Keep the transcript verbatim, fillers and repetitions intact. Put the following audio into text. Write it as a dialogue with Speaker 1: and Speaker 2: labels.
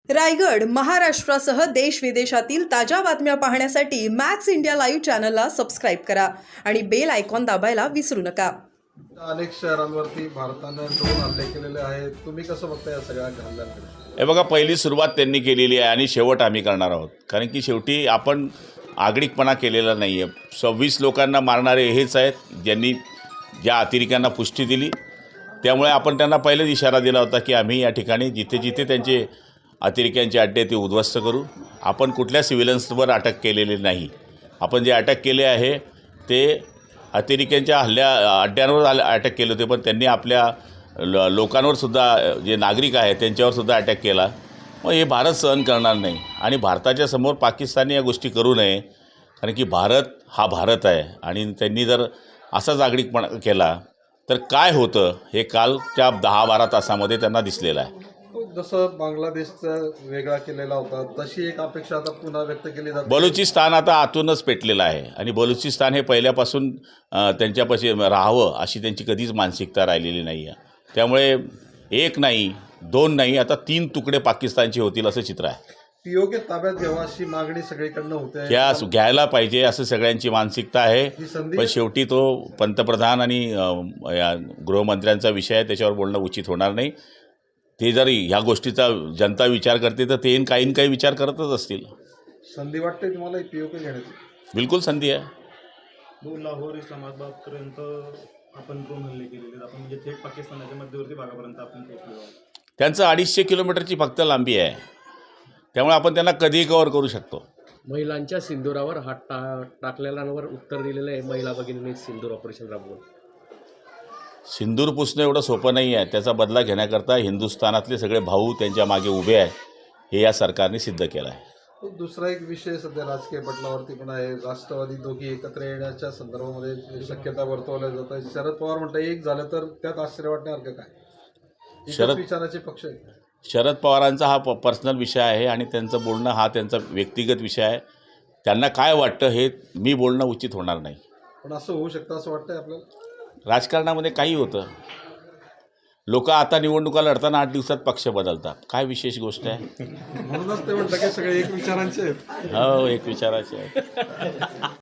Speaker 1: रायगड, महाराष्ट्रासह देश विदेशातील ताज्या बातम्या पाहण्यासाठी मॅक्स इंडिया लाईव्ह चॅनलला सबस्क्राईब करा आणि बेल आयकॉन दाबायला विसरू नका.
Speaker 2: अनेक शहरांवरती भारतानं ड्रोन हल्ले केलेले आहेत. तुम्ही कसं बघता या सगळ्या हल्ल्यांकडे?
Speaker 3: हे बघा, पहिली सुरुवात त्यांनी केलेली आहे आणि शेवट आम्ही करणार आहोत. कारण की शेवटी आपण आगळिकपणा केलेला नाही आहे. सव्वीस लोकांना मारणारे हेच आहेत ज्यांनी ज्या अतिरेक्यांना पुष्टी दिली. त्यामुळे आपण त्यांना पहिलेच इशारा दिला होता की आम्ही या ठिकाणी जिथे जिथे त्यांचे अतिरेक्यांचे अड्डे ते उद्ध्वस्त करू. आपण कुठल्या सिव्हिलन्सवर अटक केलेली नाही. आपण जे अटक केले आहे ते अतिरेक्यांच्या हल्ल्या अड्ड्यांवर अटक केले होते, पण त्यांनी आपल्या लो लोकांवरसुद्धा जे नागरिक आहेत त्यांच्यावरसुद्धा अटॅक केला. मग हे भारत सहन करणार नाही आणि भारताच्या समोर पाकिस्तानने या गोष्टी करू नये. कारण की भारत हा भारत आहे आणि त्यांनी जर असाच आगळिकपणा केला तर काय होतं हे कालच्या दहा बारा तासामध्ये त्यांना दिसलेलं आहे.
Speaker 2: जसं बांगलादेशचा वेगळा केलेला होता तशी एक अपेक्षा आता पुन्हा व्यक्त केली जाते.
Speaker 3: बलुचिस्तान आता आतूनच पेटलेलं आहे आणि बलुचिस्तान हे पहिल्यापासून त्यांच्यापाशी राहावं अशी त्यांची कधीच मानसिकता राहिलेली नाही आहे. त्यामुळे एक नाही, दोन नाही, आता तीन तुकडे पाकिस्तानचे होतील असं चित्र आहे.
Speaker 2: पीओके ताब्यात घ्यावा अशी मागणी सगळीकडनं होते.
Speaker 3: त्या घ्यायला पाहिजे असं सगळ्यांची मानसिकता आहे. पण शेवटी तो पंतप्रधान आणि या गृहमंत्र्यांचा विषय आहे, त्याच्यावर बोलणं उचित होणार नाही. ते जर ह्या गोष्टीचा जनता विचार करते तर ते काही काही विचार करतच असतील.
Speaker 2: संधी वाटते तुम्हाला पीओके घेण्याची?
Speaker 3: बिलकुल संधी आहे.
Speaker 4: दोन लाहोर इस्लामाबादपर्यंत आपण ड्रोन हल्ले केलेले, आपण म्हणजे थेट पाकिस्तानाच्या मध्यवर्ती भागापर्यंत आपण पोहोचलो.
Speaker 3: त्यांचं अडीचशे किलोमीटरची फक्त लांबी आहे. त्यामुळे आपण त्यांना कधीही कव्हर करू शकतो.
Speaker 5: महिलांच्या सिंदुरावर हात टा टाकलेल्यांवर उत्तर दिलेलं आहे महिला भगिनींनी सिंदूर ऑपरेशन राबवून.
Speaker 3: सिंदूर पुसणं एवढं सोपं नाही आहे. त्याचा बदला घेण्याकरता हिंदुस्थानातले सगळे भाऊ त्यांच्या मागे उभे आहेत, हे या सरकारने सिद्ध केलं आहे.
Speaker 2: दुसरा एक विषय सध्या राजकीय पटलावरती पण आहे. राष्ट्रवादी दोघी एकत्र येण्याच्या संदर्भामध्ये शक्यता वर्तवल्या जात आहे. शरद पवार म्हणतात एक झालं तर त्यात आश्चर्य वाटण्यासारखं काय? शरद विचाराचे पक्ष आहे.
Speaker 3: शरद पवारांचा हा प पर्सनल विषय आहे आणि त्यांचं बोलणं हा त्यांचा व्यक्तिगत विषय आहे. त्यांना काय वाटतं हे मी बोलणं उचित होणार नाही.
Speaker 2: पण असं होऊ शकतं असं वाटतंय आपल्याला? राजकारणामध्ये
Speaker 3: काही होतं. लोक आता निवडणुका लढताना आठ दिवसात पक्ष बदलतात. काय विशेष गोष्ट आहे?
Speaker 2: म्हणूनच ते म्हणतात की सगळे एक विचारांचे आहेत.
Speaker 3: हो, एक विचाराचे आहेत.